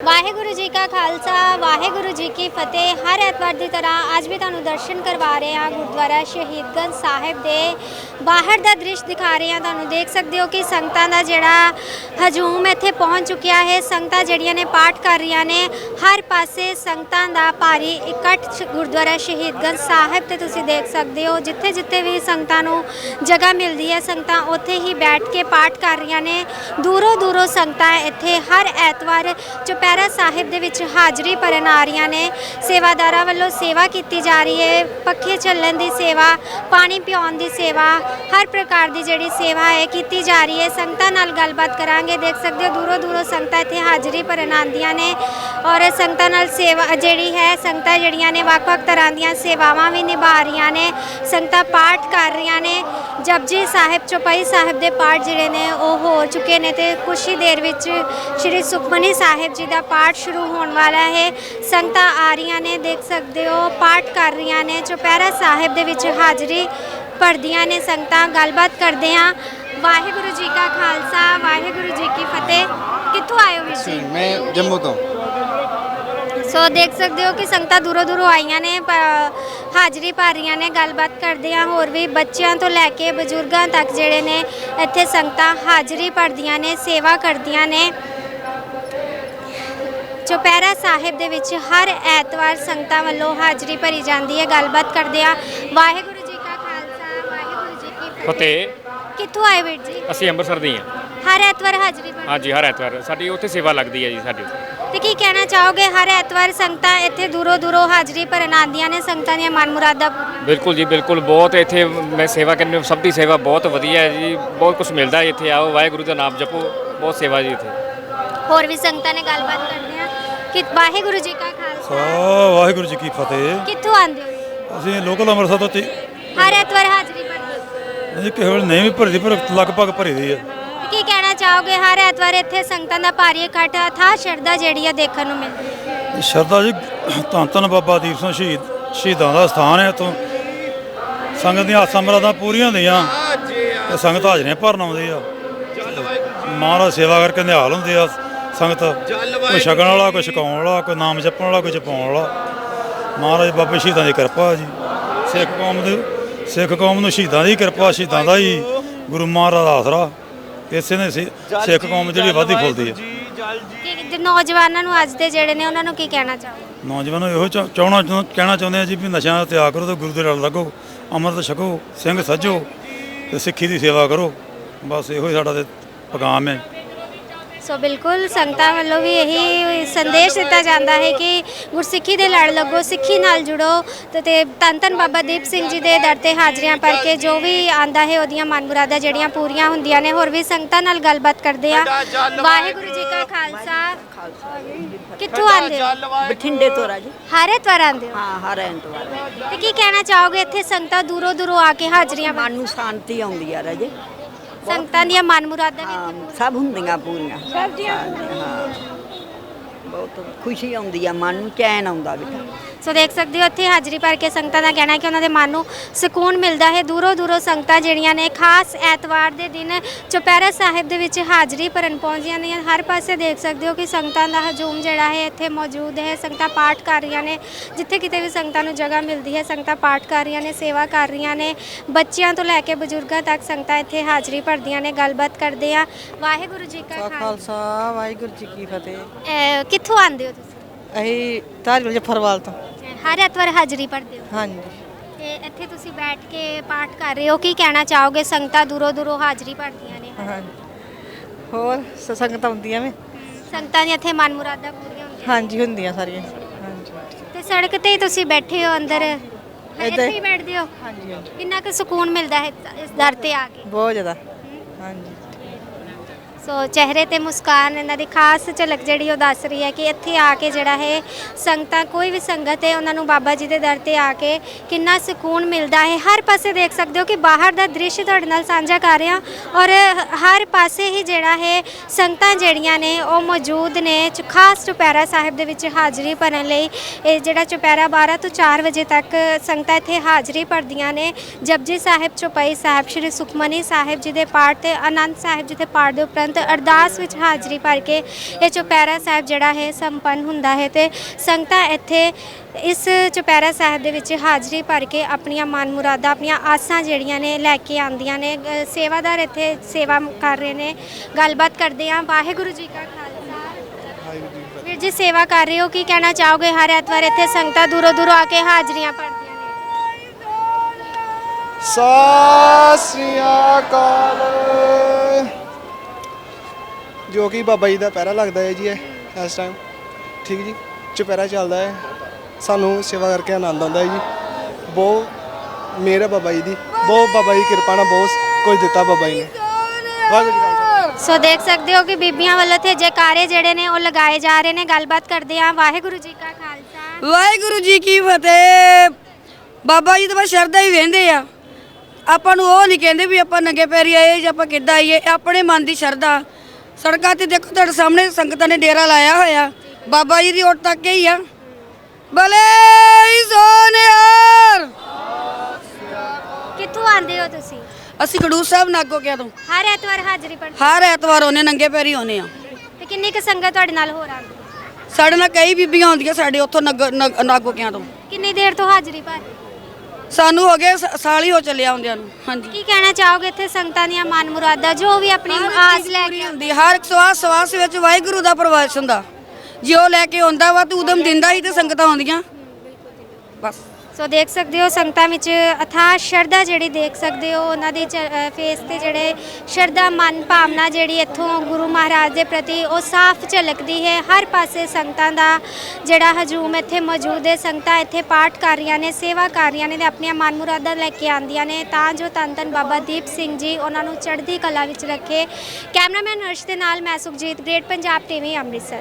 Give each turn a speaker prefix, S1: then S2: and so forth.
S1: ਵਾਹਿਗੁਰੂ ਜੀ ਕਾ ਖਾਲਸਾ ਵਾਹਿਗੁਰੂ ਜੀ ਕੀ ਫਤਿਹ। ਹਰ ਐਤਵਾਰ ਦੀ ਤਰ੍ਹਾਂ ਅੱਜ ਵੀ ਤੁਹਾਨੂੰ ਦਰਸ਼ਨ ਕਰਵਾ ਰਹੇ ਹਾਂ ਗੁਰਦੁਆਰਾ ਸ਼ਹੀਦਗੰਜ ਸਾਹਿਬ ਦੇ ਬਾਹਰ ਦਾ ਦ੍ਰਿਸ਼ ਦਿਖਾ ਰਹੇ ਹਾਂ। ਤੁਹਾਨੂੰ ਦੇਖ ਸਕਦੇ ਹੋ ਕਿ ਸੰਗਤਾਂ ਦਾ ਜਿਹੜਾ ਹਜੂਮ ਇੱਥੇ ਪਹੁੰਚ ਚੁੱਕਿਆ ਹੈ। ਸੰਗਤਾਂ ਜਿਹੜੀਆਂ ਨੇ ਪਾਠ ਕਰ ਰਹੀਆਂ ਨੇ। ਹਰ ਪਾਸੇ ਸੰਗਤਾਂ ਦਾ ਭਾਰੀ ਇਕੱਠ ਗੁਰਦੁਆਰਾ ਸ਼ਹੀਦਗੰਜ ਸਾਹਿਬ ਤੇ ਤੁਸੀਂ ਦੇਖ ਸਕਦੇ ਹੋ। ਜਿੱਥੇ ਜਿੱਥੇ ਵੀ ਸੰਗਤਾਂ ਨੂੰ ਜਗ੍ਹਾ ਮਿਲਦੀ ਹੈ ਸੰਗਤਾਂ ਉੱਥੇ ਹੀ ਬੈਠ ਕੇ ਪਾਠ ਕਰ ਰਹੀਆਂ ਨੇ। ਦੂਰੋਂ ਦੂਰੋਂ ਸੰਗਤਾਂ ਇੱਥੇ ਹਰ ਐਤਵਾਰ ਚੁਪਹਿਰਾ ਸਾਹਿਬ ਦੇ ਵਿੱਚ ਹਾਜ਼ਰੀ ਭਰਨ ਆ ਰਹੀਆਂ ਨੇ। ਸੇਵਾਦਾਰਾਂ ਵੱਲੋਂ ਸੇਵਾ ਕੀਤੀ ਜਾ ਰਹੀ ਹੈ। ਪੱਖੇ ਚੱਲਣ ਦੀ ਸੇਵਾ, ਪਾਣੀ ਪਿਆਉਣ ਦੀ ਸੇਵਾ, ਹਰ ਪ੍ਰਕਾਰ ਦੀ ਜਿਹੜੀ ਸੇਵਾ ਹੈ ਕੀਤੀ ਜਾ ਰਹੀ ਹੈ। ਸੰਗਤਾਂ ਨਾਲ ਗੱਲਬਾਤ ਕਰਾਂਗੇ। ਦੇਖ ਸਕਦੇ ਹੋ ਦੂਰੋਂ ਦੂਰੋਂ ਸੰਗਤਾਂ ਇੱਥੇ ਹਾਜ਼ਰੀ ਭਰਨ ਆਉਂਦੀਆਂ ਨੇ ਔਰ ਸੰਗਤਾਂ ਨਾਲ ਸੇਵਾ ਜਿਹੜੀ ਹੈ ਸੰਗਤਾਂ ਜਿਹੜੀਆਂ ਨੇ ਵੱਖ-ਵੱਖ ਤਰ੍ਹਾਂ ਦੀਆਂ ਸੇਵਾਵਾਂ ਵੀ ਨਿਭਾ ਰਹੀਆਂ ਨੇ। ਸੰਗਤਾਂ ਪਾਠ ਕਰ ਰਹੀਆਂ ਨੇ। ਜਪਜੀ ਸਾਹਿਬ, ਚੌਪਈ ਸਾਹਿਬ ਦੇ ਪਾਠ ਜਿਹੜੇ ਨੇ ਉਹ ਹੋ ਚੁੱਕੇ ਨੇ ਤੇ ਕੁਛ ਹੀ ਦੇਰ ਵਿੱਚ ਸ਼੍ਰੀ ਸੁਖਮਨੀ ਸਾਹਿਬ ਜੀ ਦਾ ਪਾਠ ਸ਼ੁਰੂ ਹੋਣ ਵਾਲਾ ਹੈ। ਸੰਗਤਾਂ ਆ ਰਹੀਆਂ ਨੇ, ਦੇਖ ਸਕਦੇ ਹੋ ਪਾਠ ਕਰ ਰਹੀਆਂ ਨੇ। ਚੁਪਹਿਰਾ ਸਾਹਿਬ ਦੇ ਵਿੱਚ ਹਾਜ਼ਰੀ ਭਰਦੀਆਂ ਨੇ ਸੰਗਤਾਂ। ਗੱਲਬਾਤ ਕਰਦੇ ਹਾਂ। ਵਾਹਿਗੁਰੂ ਜੀ ਕਾ ਖਾਲਸਾ ਵਾਹਿਗੁਰੂ ਜੀ ਕੀ ਫਤਿਹ। ਕਿੱਥੋਂ ਆਏ ਹੋ ਵੀਰ ਜੀ?
S2: ਮੈਂ ਜੰਮੂ ਤੋਂ।
S1: ਸੋ ਦੇਖ ਸਕਦੇ ਹੋ ਕਿ ਸੰਗਤਾਂ ਦੂਰੋਂ ਦੂਰੋਂ ਆਈਆਂ ਨੇ, ਹਾਜ਼ਰੀ ਭਰ ਰਹੀਆਂ ਨੇ। ਗੱਲਬਾਤ ਕਰਦੇ ਹਾਂ। ਹੋਰ ਵੀ ਬੱਚਿਆਂ ਤੋਂ ਲੈ ਕੇ ਬਜ਼ੁਰਗਾਂ ਤੱਕ ਜਿਹੜੇ ਨੇ ਇੱਥੇ ਸੰਗਤਾਂ ਹਾਜ਼ਰੀ ਭਰਦੀਆਂ ਨੇ, ਸੇਵਾ ਕਰਦੀਆਂ ਨੇ। ਚੁਪਹਿਰਾ ਸਾਹਿਬ ਦੇ ਵਿੱਚ ਹਰ ਐਤਵਾਰ ਸੰਗਤਾਂ ਵੱਲੋਂ ਹਾਜ਼ਰੀ ਭਰੀ ਜਾਂਦੀ ਹੈ। ਗੱਲਬਾਤ ਕਰਦੇ ਆ। ਵਾਹਿਗੁਰੂ ਜੀ ਕਾ ਖਾਲਸਾ ਵਾਹਿਗੁਰੂ ਜੀ ਕੀ
S3: ਫਤਿਹ।
S1: ਕਿੱਥੋਂ ਆਏ ਵੀਰ ਜੀ?
S3: ਅਸੀਂ ਅੰਮ੍ਰਿਤਸਰ ਦੇ ਹਾਂ।
S1: ਹਰ ਐਤਵਾਰ ਹਾਜ਼ਰੀ ਭਰਦੇ?
S3: ਹਾਂਜੀ, ਹਰ ਐਤਵਾਰ ਸਾਡੀ ਉੱਥੇ ਸੇਵਾ ਲੱਗਦੀ ਹੈ ਜੀ ਸਾਡੀ।
S1: ਤੇ ਕੀ ਕਹਿਣਾ ਚਾਹੋਗੇ? ਹਰ ਐਤਵਾਰ ਸੰਗਤਾਂ ਇੱਥੇ ਦੂਰੋਂ ਦੂਰੋਂ ਹਾਜ਼ਰੀ ਭਰਨ ਆਉਂਦੀਆਂ ਨੇ। ਸੰਗਤਾਂ ਦੀਆਂ ਮਨ ਮੁਰਾਦਾਂ
S3: ਬਿਲਕੁਲ ਜੀ, ਬਿਲਕੁਲ। ਬਹੁਤ ਇੱਥੇ ਮੈਂ ਸੇਵਾ ਕਰਨੀ, ਸਭ ਦੀ ਸੇਵਾ ਬਹੁਤ ਵਧੀਆ ਹੈ ਜੀ। ਬਹੁਤ ਕੁਝ ਮਿਲਦਾ ਹੈ ਇੱਥੇ। ਆਓ, ਵਾਹਿਗੁਰੂ ਦਾ ਨਾਮ ਜਪੋ। ਬਹੁਤ ਸੇਵਾ ਜੀ ਇੱਥੇ।
S1: ਹੋਰ ਵੀ ਸੰਗਤਾਂ ਨੇ ਗੱਲਬਾਤ ਕਰਦੇ ਆ ਕਿ ਵਾਹਿਗੁਰੂ ਜੀ ਕਾ ਖਾਲਸਾ
S4: ਵਾਹਿਗੁਰੂ ਜੀ ਕੀ ਫਤਿਹ।
S1: ਕਿੱਥੋਂ ਆਉਂਦੇ ਹੋ?
S4: ਅਸੀਂ ਲੋਕਲ ਅੰਮ੍ਰਿਤਸਰ ਤੋਂ
S1: ਹਰ ਐਤਵਾਰ ਹਾਜ਼ਰੀ ਭਰਦੇ?
S4: ਅਸੀਂ ਕਿਸੇ ਵੇਲੇ ਨਹੀਂ ਵੀ ਭਰਦੀ ਪਰ ਲਗਭਗ ਭਰੀ ਦੀ ਹੈ।
S1: ਕੀ ਕਹਿਣਾ ਚਾਹੋਗੇ? ਹਰ ਐਤਵਾਰ ਇੱਥੇ ਸੰਗਤਾਂ ਦਾ ਭਾਰੀ ਇਕੱਠ ਥਾ ਸ਼ਰਧਾ ਜਿਹੜੀ ਆ ਦੇਖਣ ਨੂੰ ਮਿਲਦੀ ਹੈ।
S4: ਸ਼ਰਧਾ ਜੀ, ਧੰਨ ਧੰਨ ਬਾਬਾ ਦੀਪ ਸਿੰਘ ਸ਼ਹੀਦਾਂ ਦਾ ਸਥਾਨ ਹੈ। ਇੱਥੋਂ ਸੰਗਤ ਦੀਆਂ ਆਸਾਂ ਮੁਰਾਦਾਂ ਪੂਰੀਆਂ ਹੁੰਦੀਆਂ ਤੇ ਸੰਗਤ ਹਾਜ਼ਰੀਆਂ ਭਰਨ ਆਉਂਦੀ ਆ। ਮਹਾਰਾਜ ਸੇਵਾ ਕਰਕੇ ਨਿਹਾਲ ਹੁੰਦੇ ਆ ਸੰਗਤ। ਕੋਈ ਛਕਣ ਵਾਲਾ, ਕੋਈ ਛਕਾਉਣ ਵਾਲਾ, ਕੋਈ ਨਾਮ ਜਪਣ ਵਾਲਾ, ਕੋਈ ਜਪਾਉਣ ਵਾਲਾ। ਮਹਾਰਾਜ ਬਾਬੇ ਸ਼ਹੀਦਾਂ ਦੀ ਕਿਰਪਾ ਜੀ। ਸਿੱਖ ਕੌਮ ਨੂੰ ਸ਼ਹੀਦਾਂ ਦੀ ਕਿਰਪਾ, ਸ਼ਹੀਦਾਂ ਦਾ ਹੀ ਗੁਰੂ ਮਹਾਰਾਜ ਦਾ ਆਸਰਾ। ਇਸੇ ਨੇ ਸਿੱਖ ਕੌਮ ਜਿਹੜੀ ਵਾਧੀ ਫੁੱਲਦੀ ਹੈ।
S1: ਕਿ ਨੌਜਵਾਨਾਂ ਨੂੰ ਅੱਜ ਦੇ ਜਿਹੜੇ ਨੇ ਉਹਨਾਂ ਨੂੰ ਕੀ ਕਹਿਣਾ ਚਾਹੋਗੇ?
S4: ਨੌਜਵਾਨਾਂ ਨੂੰ ਇਹੋ ਕਹਿਣਾ ਚਾਹੁੰਦੇ ਆ ਜੀ ਵੀ ਨਸ਼ਿਆਂ ਦਾ ਤਿਆਗ ਕਰੋ ਤੇ ਗੁਰੂ ਦੇ ਲੜ ਲੱਗੋ, ਅੰਮ੍ਰਿਤ ਛਕੋ, ਸਿੰਘ ਸੱਜੋ ਤੇ ਸਿੱਖੀ ਦੀ ਸੇਵਾ ਕਰੋ। ਬਸ ਇਹੋ ਹੀ ਸਾਡਾ ਤੇ ਪੈਗਾਮ ਹੈ।
S1: ਸੋ ਬਿਲਕੁਲ ਸੰਗਤਾਂ ਵੱਲੋਂ ਵੀ ਇਹੀ ਸੰਦੇਸ਼ ਦਿੱਤਾ ਜਾਂਦਾ ਹੈ ਕਿ ਗੁਰਸਿੱਖੀ ਦੇ ਲੜ ਲੱਗੋ, ਸਿੱਖੀ ਨਾਲ ਜੁੜੋ ਤੇ ਧੰਨ ਧੰਨ ਬਾਬਾ ਦੀਪ ਸਿੰਘ ਜੀ ਦੇ ਦਰ ਤੇ ਹਾਜ਼ਰੀਆਂ ਭਰ ਕੇ ਜੋ ਵੀ ਆਂਦਾ ਹੈ ਉਹਦੀਆਂ ਮਨ ਮੁਰਾਦਾਂ ਜਿਹੜੀਆਂ ਪੂਰੀਆਂ ਹੁੰਦੀਆਂ ਨੇ। ਹੋਰ ਵੀ ਸੰਗਤਾਂ ਨਾਲ ਗੱਲਬਾਤ ਕਰਦੇ ਆ। ਵਾਹਿਗੁਰੂ ਜੀ ਕਾ ਖਾਲਸਾ। ਕਿੱਥੋਂ ਆਉਂਦੇ ਹੋ?
S5: ਬਠਿੰਡੇ ਤੋਂ ਰਾਜੀ।
S1: ਹਰ ਐਤਵਾਰ ਆਉਂਦੇ ਹੋ?
S5: ਹਾਂ, ਹਰ ਐਤਵਾਰ।
S1: ਤੇ ਕੀ ਕਹਿਣਾ ਚਾਹੋਗੇ? ਇੱਥੇ ਸੰਗਤਾਂ ਦੂਰੋਂ ਦੂਰੋਂ ਆ ਕੇ ਹਾਜ਼ਰੀਆਂ
S5: ਮਨ ਨੂੰ ਸ਼ਾਂਤੀ ਆਉਂਦੀ ਆ ਰਾਜੇ।
S1: ਸੰਗਤਾਂ ਦੀਆਂ ਮਨ ਮੁਰਾਦਾਂ ਵੀ
S5: ਹਾਂ, ਸਭ ਹੁੰਦੀਆਂ ਪੂਰੀਆਂ। ਸਭ ਦੀਆਂ ਹਾਂ, ਬਹੁਤ ਖੁਸ਼ੀ ਆਉਂਦੀ ਆ, ਮਨ ਨੂੰ ਚੈਨ ਆਉਂਦਾ ਬੇਟਾ।
S1: ਸੋ ਦੇਖ ਸਕਦੇ ਹੋ ਇੱਥੇ ਹਾਜ਼ਰੀ ਭਰ ਕੇ ਸੰਗਤਾਂ ਦਾ ਕਹਿਣਾ ਹੈ ਕਿ ਉਹਨਾਂ ਦੇ ਮਨ ਨੂੰ ਸਕੂਨ ਮਿਲਦਾ ਹੈ। ਦੂਰੋਂ ਦੂਰੋਂ ਸੰਗਤਾਂ ਜਿਹੜੀਆਂ ਨੇ ਖਾਸ ਐਤਵਾਰ ਦੇ ਦਿਨ ਚੁਪਹਿਰਾ ਸਾਹਿਬ ਦੇ ਵਿੱਚ ਹਾਜ਼ਰੀ ਭਰਨ ਪਹੁੰਚਦੀਆਂ ਨੇ। ਹਰ ਪਾਸੇ ਦੇਖ ਸਕਦੇ ਹੋ ਕਿ ਸੰਗਤਾਂ ਦਾ ਹਜੂਮ ਜਿਹੜਾ ਹੈ ਇੱਥੇ ਮੌਜੂਦ ਹੈ। ਸੰਗਤਾਂ ਪਾਠ ਕਰ ਰਹੀਆਂ ਨੇ। ਜਿੱਥੇ ਕਿਤੇ ਵੀ ਸੰਗਤਾਂ ਨੂੰ ਜਗ੍ਹਾ ਮਿਲਦੀ ਹੈ ਸੰਗਤਾਂ ਪਾਠ ਕਰ ਰਹੀਆਂ ਨੇ, ਸੇਵਾ ਕਰ ਰਹੀਆਂ ਨੇ। ਬੱਚਿਆਂ ਤੋਂ ਲੈ ਕੇ ਬਜ਼ੁਰਗਾਂ ਤੱਕ ਸੰਗਤਾਂ ਇੱਥੇ ਹਾਜ਼ਰੀ ਭਰਦੀਆਂ ਨੇ। ਗੱਲਬਾਤ ਕਰਦੇ ਆ। ਵਾਹਿਗੁਰੂ ਜੀ ਕਾ
S6: ਖਾਲਸਾ ਵਾਹਿਗੁਰੂ ਜੀ ਕੀ ਫਤਿਹ।
S1: ਕਿੱਥੋਂ ਆਉਂਦੇ ਹੋ ਤੁਸੀਂ?
S6: ਅਸੀਂ ਧਾਰੀਵਾਲ ਜਫਰਵਾਲ ਤੋਂ।
S1: ਹਰ ਐਤਵਾਰ ਹਾਜ਼ਰੀ ਭਰਦੇ ਹੋ?
S6: ਹਾਂਜੀ।
S1: ਤੇ ਇੱਥੇ ਤੁਸੀਂ ਬੈਠ ਕੇ ਪਾਠ ਕਰ ਰਹੇ ਹੋ। ਕੀ ਕਹਿਣਾ ਚਾਹੋਗੇ? ਸੰਗਤਾਂ ਦੂਰੋਂ ਦੂਰੋਂ ਹਾਜ਼ਰੀ ਭਰਦੀਆਂ ਨੇ।
S6: ਹਾਂਜੀ। ਹੋਰ ਸੰਗਤਾਂ ਹੁੰਦੀਆਂ ਵੇ?
S1: ਸੰਗਤਾਂ ਦੀਆਂ ਇੱਥੇ ਮਨ ਮੁਰਾਦਾਂ ਪੂਰੀਆਂ ਹੁੰਦੀਆਂ?
S6: ਹਾਂਜੀ, ਹੁੰਦੀਆਂ ਸਾਰੀਆਂ। ਹਾਂਜੀ।
S1: ਤੇ ਸੜਕ ਤੇ ਹੀ ਤੁਸੀਂ ਬੈਠੇ ਹੋ ਅੰਦਰ? ਇੱਥੇ ਹੀ ਬੈਠਦੇ ਹੋ?
S6: ਹਾਂਜੀ ਹਾਂਜੀ।
S1: ਕਿੰਨਾ ਕੁ ਸਕੂਨ ਮਿਲਦਾ ਹੈ ਇਸ ਦਰ ਤੇ ਆ ਕੇ?
S6: ਬਹੁਤ ਜ਼ਿਆਦਾ। ਹਾਂਜੀ।
S1: ਸੋ ਚਿਹਰੇ ਤੇ ਮੁਸਕਾਨ ਇਹਨਾਂ ਦੀ ਖਾਸ ਝਲਕ ਜਿਹੜੀ ਉਹ ਦੱਸ ਰਹੀ ਹੈ ਕਿ ਇੱਥੇ ਆ ਕੇ ਜਿਹੜਾ ਹੈ ਸੰਗਤਾਂ, ਕੋਈ ਵੀ ਸੰਗਤ ਹੈ ਉਹਨਾਂ ਨੂੰ ਬਾਬਾ ਜੀ ਦੇ ਦਰ ਤੇ ਆ ਕੇ ਕਿੰਨਾ ਸਕੂਨ ਮਿਲਦਾ ਹੈ। ਹਰ ਪਾਸੇ ਦੇਖ ਸਕਦੇ ਹੋ ਕਿ ਬਾਹਰ ਦਾ ਦ੍ਰਿਸ਼ ਤੁਹਾਡੇ ਨਾਲ ਸਾਂਝਾ ਕਰ ਰਹੇ ਹਾਂ ਔਰ ਹਰ ਪਾਸੇ ਹੀ ਜਿਹੜਾ ਹੈ ਸੰਗਤਾਂ ਜਿਹੜੀਆਂ ਨੇ ਉਹ ਮੌਜੂਦ ਨੇ। ਖਾਸ ਚੁਪਹਿਰਾ ਸਾਹਿਬ ਦੇ ਵਿੱਚ ਹਾਜ਼ਰੀ ਭਰਨ ਲਈ ਇਹ ਜਿਹੜਾ ਚੁਪਹਿਰਾ 12 ਤੋਂ 4 ਵਜੇ ਤੱਕ ਸੰਗਤਾਂ ਇੱਥੇ ਹਾਜ਼ਰੀ ਭਰਦੀਆਂ ਨੇ। ਜਪਜੀ ਸਾਹਿਬ, ਚੌਪਈ ਸਾਹਿਬ, ਸ਼੍ਰੀ ਸੁਖਮਨੀ ਸਾਹਿਬ ਜੀ ਦੇ ਪਾਠ ਤੇ ਆਨੰਦ ਸਾਹਿਬ ਜੀ ਦੇ ਪਾਠ ਦੇ ਉਪਰੰਤ ਸੰਗਤ ਅਰਦਾਸ ਵਿੱਚ ਹਾਜ਼ਰੀ ਭਰ ਕੇ ਇਹ ਚੁਪਹਿਰਾ ਸਾਹਿਬ ਜਿਹੜਾ ਹੈ ਸੰਪੰਨ ਹੁੰਦਾ ਹੈ ਤੇ ਸੰਗਤਾਂ ਇੱਥੇ ਇਸ ਚੁਪਹਿਰਾ ਸਾਹਿਬ ਦੇ ਵਿੱਚ ਹਾਜ਼ਰੀ ਭਰ ਕੇ ਆਪਣੀਆਂ ਮਨ ਮੁਰਾਦਾਂ ਆਪਣੀਆਂ ਆਸਾਂ ਜਿਹੜੀਆਂ ਨੇ ਲੈ ਕੇ ਆਉਂਦੀਆਂ ਨੇ। ਸੇਵਾਦਾਰ ਇੱਥੇ ਸੇਵਾ ਕਰ ਰਹੇ ਨੇ, ਗੱਲਬਾਤ ਕਰਦੇ ਹਾਂ। ਵਾਹਿਗੁਰੂ ਜੀ ਕਾ ਖਾਲਸਾ। ਵੀਰ ਜੀ ਸੇਵਾ ਕਰ ਰਹੇ ਹੋ, ਕੀ ਕਹਿਣਾ ਚਾਹੋਗੇ? ਹਰ ਐਤਵਾਰ ਇੱਥੇ ਸੰਗਤਾਂ ਦੂਰੋਂ ਦੂਰੋਂ ਆ ਕੇ ਹਾਜ਼ਰੀਆਂ ਭਰਦੀਆਂ ਨੇ।
S2: ਸਤਿ ਸ੍ਰੀ ਅਕਾਲ। ਜੋ ਕਿ ਬਾਬਾ ਜੀ ਦਾ ਪਹਿਰਾ ਲੱਗਦਾ ਹੈ ਜੀ ਇਸ ਟਾਈਮ, ਠੀਕ ਜੀ, ਚੁਪਹਿਰਾ ਚੱਲਦਾ ਹੈ। ਸਾਨੂੰ ਸੇਵਾ ਕਰਕੇ ਆਨੰਦ ਆਉਂਦਾ ਹੈ ਜੀ। ਬਹੁਤ ਮਿਹਰ ਹੈ ਬਾਬਾ ਜੀ ਦੀ, ਬਹੁਤ ਬਾਬਾ ਜੀ ਕਿਰਪਾ ਨਾਲ ਬਹੁਤ ਕੁਝ ਦਿੱਤਾ ਬਾਬਾ ਜੀ ਨੇ। ਵਾਹਿਗੁਰੂ ਜੀ ਕਾ ਖਾਲਸਾ।
S1: ਸੋ ਦੇਖ ਸਕਦੇ ਹੋ ਕਿ ਬੀਬੀਆਂ ਵੱਲੋਂ ਇੱਥੇ ਜੈਕਾਰੇ ਜਿਹੜੇ ਨੇ ਉਹ ਲਗਾਏ ਜਾ ਰਹੇ ਨੇ। ਗੱਲਬਾਤ ਕਰਦੇ ਹਾਂ। ਵਾਹਿਗੁਰੂ ਜੀ ਕਾ ਖਾਲਸਾ।
S7: ਵਾਹਿਗੁਰੂ ਜੀ ਕੀ ਫਤਿਹ। ਬਾਬਾ ਜੀ ਤਾਂ ਬਸ ਸ਼ਰਧਾ ਹੀ ਵਹਿੰਦੇ ਆ, ਆਪਾਂ ਨੂੰ ਉਹ ਨਹੀਂ ਕਹਿੰਦੇ ਵੀ ਆਪਾਂ ਨੰਗੇ ਪੈਰੀ ਆਏ ਜਾਂ ਆਪਾਂ ਕਿੱਦਾਂ ਆਈਏ। ਆਪਣੇ ਮਨ ਦੀ ਸ਼ਰਧਾ। ਸੜਕਾਂ ਤੇ ਦੇਖੋ ਤੁਹਾਡੇ ਸਾਹਮਣੇ ਸੰਗਤਾਂ ਨੇ ਡੇਰਾ ਲਾਇਆ ਹੋਇਆ, ਬਾਬਾ ਜੀ ਦੀ ਓਟ ਤੱਕ ਹੀ ਆ। ਭਲੇ ਸੋਨਿਆਰ।
S1: ਕਿੱਥੋਂ ਆਉਂਦੇ ਹੋ ਤੁਸੀਂ?
S7: ਅਸੀਂ ਖਡੂਰ ਸਾਹਿਬ ਨਾਗੋ ਕਿਆ ਤੋਂ
S1: ਹਰ ਐਤਵਾਰ ਹਾਜ਼ਰੀ ਭਰਦੇ
S7: ਹਰ ਐਤਵਾਰ ਆਉਂਦੇ, ਨੰਗੇ ਪੈਰੀ ਆਉਂਦੇ ਆ।
S1: ਤੇ ਕਿੰਨੀ ਕੁ ਸੰਗਤ ਤੁਹਾਡੇ ਨਾਲ ਹੋਰ ਆਉਂਦੀ?
S7: ਸਾਡੇ ਨਾਲ ਕਈ ਬੀਬੀਆਂ ਆਉਂਦੀਆਂ ਸਾਡੇ ਉੱਥੋਂ ਨਾਗੋ ਕਿਆ ਤੋਂ।
S1: ਕਿੰਨੀ ਦੇਰ ਤੋਂ ਹਾਜ਼ਰੀ ਭਰ?
S7: ਸਾਨੂੰ ਹੋ ਗਏ ਸਾਲ ਹੀ ਹੋ ਚੱਲਿਆ ਆਉਂਦਿਆਂ ਨੂੰ। ਹਾਂਜੀ,
S1: ਕੀ ਕਹਿਣਾ ਚਾਹੋਗੇ? ਇੱਥੇ ਸੰਗਤਾਂ ਦੀਆਂ ਮਨ ਮੁਰਾਦਾਂ ਜੋ ਵੀ ਆਪਣੀ ਆਸ ਲੈ ਕੇ
S7: ਹੁੰਦੀ, ਹਰ ਇੱਕ ਸਵਾਸ ਵਿੱਚ ਵਾਹਿਗੁਰੂ ਦਾ ਪ੍ਰਵਾਸ ਹੁੰਦਾ। ਜੇ ਉਹ ਲੈ ਕੇ ਆਉਂਦਾ ਵਾ ਤੂੰ ਉਦਮ ਦਿੰਦਾ ਹੀ ਤੇ ਸੰਗਤਾਂ ਆਉਂਦੀਆਂ ਬਸ।
S1: ਸੋ ਦੇਖ ਸਕਦੇ ਹੋ ਸੰਗਤਾਂ ਵਿੱਚ ਅਥਾਹ ਸ਼ਰਧਾ ਜਿਹੜੀ ਦੇਖ ਸਕਦੇ ਹੋ ਉਹਨਾਂ ਦੀ ਫੇਸ ਤੇ ਜਿਹੜੇ ਸ਼ਰਧਾ ਮਨ ਭਾਵਨਾ ਜਿਹੜੀ ਇੱਥੋਂ ਗੁਰੂ ਮਹਾਰਾਜ ਦੇ ਪ੍ਰਤੀ ਉਹ ਸਾਫ਼ ਝਲਕਦੀ ਹੈ। ਹਰ ਪਾਸੇ ਸੰਗਤਾਂ ਦਾ ਜਿਹੜਾ ਹਜੂਮ ਇੱਥੇ ਮੌਜੂਦ ਹੈ। ਸੰਗਤਾਂ ਇੱਥੇ ਪਾਠ ਕਰ ਰਹੀਆਂ ਨੇ, ਸੇਵਾ ਕਰ ਰਹੀਆਂ ਨੇ ਤੇ ਆਪਣੀਆਂ ਮਨ ਮੁਰਾਦਾਂ ਲੈ ਕੇ ਆਉਂਦੀਆਂ ਨੇ ਤਾਂ ਜੋ ਧੰਨ ਧੰਨ ਬਾਬਾ ਦੀਪ ਸਿੰਘ ਜੀ ਉਹਨਾਂ ਨੂੰ ਚੜ੍ਹਦੀ ਕਲਾ ਵਿੱਚ ਰੱਖੇ। ਕੈਮਰਾਮੈਨ ਹਰਸ਼ ਦੇ ਨਾਲ ਮੈਂ ਸੁਖਜੀਤ, ਗ੍ਰੇਟ ਪੰਜਾਬ ਟੀਵੀ, ਅੰਮ੍ਰਿਤਸਰ।